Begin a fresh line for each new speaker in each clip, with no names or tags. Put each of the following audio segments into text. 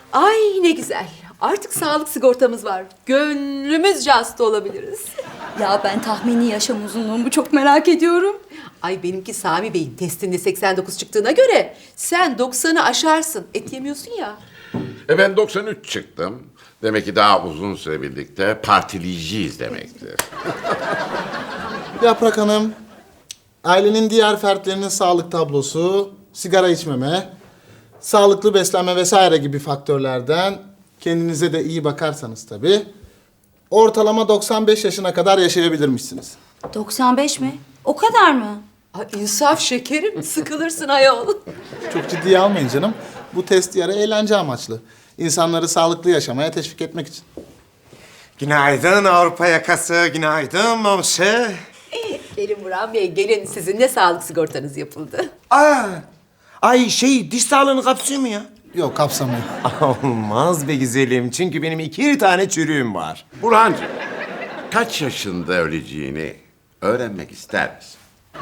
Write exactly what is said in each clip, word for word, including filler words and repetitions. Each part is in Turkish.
Ay ne güzel. Artık sağlık sigortamız var. Gönlümüzce hasta olabiliriz.
Ya ben tahmini yaşam uzunluğumu çok merak ediyorum.
Ay benimki Sami Bey'in testinde seksen dokuz çıktığına göre sen doksanı aşarsın. Et yemiyorsun ya.
E ben doksan üç çıktım. Demek ki daha uzun süre birlikte partileyeceğiz demektir.
Yaprak Hanım, ailenin diğer fertlerinin sağlık tablosu, sigara içmeme, sağlıklı beslenme vesaire gibi faktörlerden kendinize de iyi bakarsanız tabii, ortalama doksan beş yaşına kadar yaşayabilirmişsiniz.
doksan beş mi? O kadar mı?
Ay insaf şekerim. Sıkılırsın ayol.
Çok ciddiye almayın canım. Bu test yarı eğlence amaçlı. İnsanları sağlıklı yaşamaya teşvik etmek için.
Günaydın Avrupa yakası, günaydın Momşe.
Gelin Burhan Bey, gelin. Sizin de sağlık sigortanız yapıldı.
Aa, ay şey diş sağlığını kapsıyor mu ya?
Yok, kapsamıyor.
Olmaz be güzelim çünkü benim iki tane çürüğüm var.
Burhancığım, kaç yaşında öleceğini öğrenmek ister misin?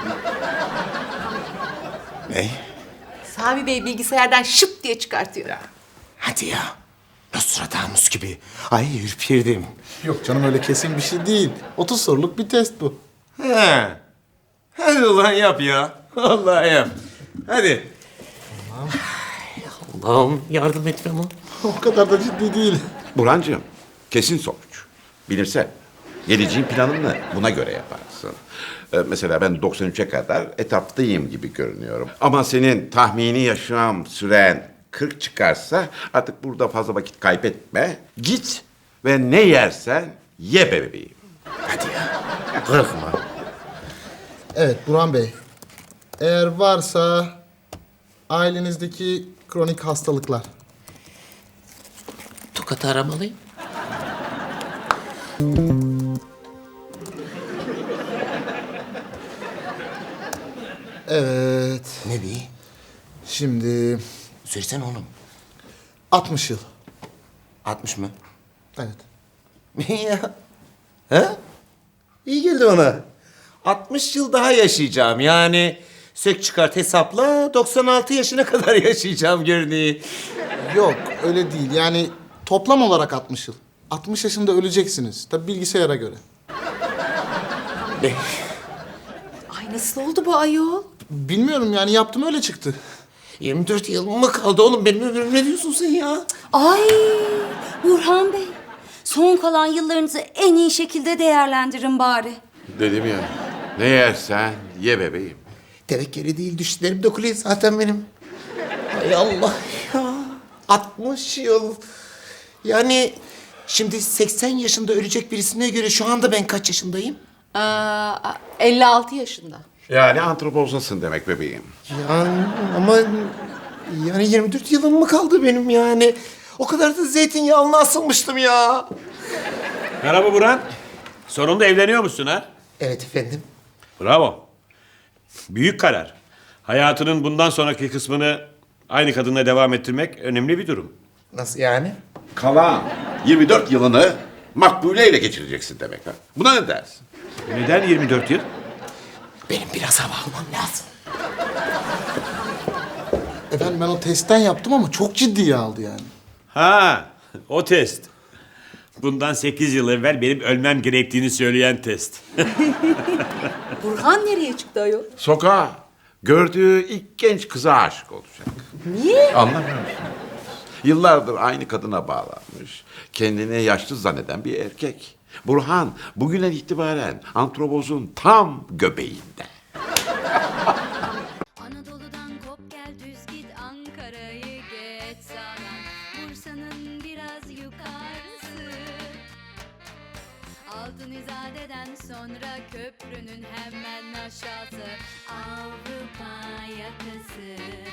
Ne?
Sami Bey bilgisayardan şıp diye çıkartıyor.
Hadi ya. Nostradamus gibi. Ay ürperdim.
Yok canım, öyle kesin bir şey değil. otuz soruluk bir test bu.
He. Hadi ulan yap ya. Vallahi yap. Hadi. Allah'ım yardım et bana.
O kadar da ciddi değil.
Burhancığım, kesin sonuç. Bilirsen, geleceğin planını buna göre yaparsın. Ee, mesela ben doksan üçe kadar etaptayım gibi görünüyorum. Ama senin tahmini yaşam süren kırk çıkarsa artık burada fazla vakit kaybetme. Git ve ne yersen ye be bebeğim.
Hadi ya. Korkma.
Evet Burhan Bey, eğer varsa ailenizdeki kronik hastalıklar.
Tokat'ı aramalıyım.
Evet,
Ne bi?
şimdi
Söylesene oğlum.
altmış yıl.
altmış mı?
Evet.
ya. Ha? İyi geldi ona. altmış yıl daha yaşayacağım. Yani sök çıkart hesapla doksan altı yaşına kadar yaşayacağım görünüyor.
Yok, öyle değil. Yani toplam olarak altmış yıl. altmış yaşında öleceksiniz. Tabii bilgisayara göre.
Ay nasıl oldu bu ayol?
Bilmiyorum yani, yaptım öyle çıktı.
yirmi dört yıl mı kaldı oğlum benim ömrüm, ne diyorsun sen ya?
Ay Burhan Bey, son kalan yıllarınızı en iyi şekilde değerlendirin bari.
Dedim ya, ne yersen ye bebeğim.
Tevekkeli değil düşlerim dokunuyor zaten benim. Hay Allah ya. altmış yıl. Yani şimdi seksen yaşında ölecek birisine göre şu anda ben kaç yaşındayım?
Aa, elli altı yaşında.
Yani antropozasın demek bebeğim.
Yani ama yani yirmi dört yılım mı kaldı benim yani? O kadar da zeytinyağına asılmıştım ya.
Merhaba Burhan. Sonunda evleniyor musun ha?
Evet efendim.
Bravo. Büyük karar. Hayatının bundan sonraki kısmını aynı kadınla devam ettirmek önemli bir durum.
Nasıl yani?
Kalan yirmi dört yılını Makbule ile geçireceksin demek ha. Buna ne dersin?
Neden yirmi dört yıl?
Benim biraz hava almam lazım.
Efendim ben o testten yaptım ama çok ciddiye aldı yani.
Ha, o test. Bundan sekiz yıl evvel benim ölmem gerektiğini söyleyen test.
Burhan nereye çıktı ayol?
Sokağa gördüğü ilk genç kıza aşık olacak.
Niye?
Anlamıyor musun? Yıllardır aynı kadına bağlanmış, kendini yaşlı zanneden bir erkek. Burhan bugünden itibaren antropozun tam göbeğinde.
Anadolu'dan kop gel düz git Ankara'yı geç sağdan Bursa'nın biraz yukarısı Altın İzade'den sonra köprünün hemen aşağısı Avrupa yakası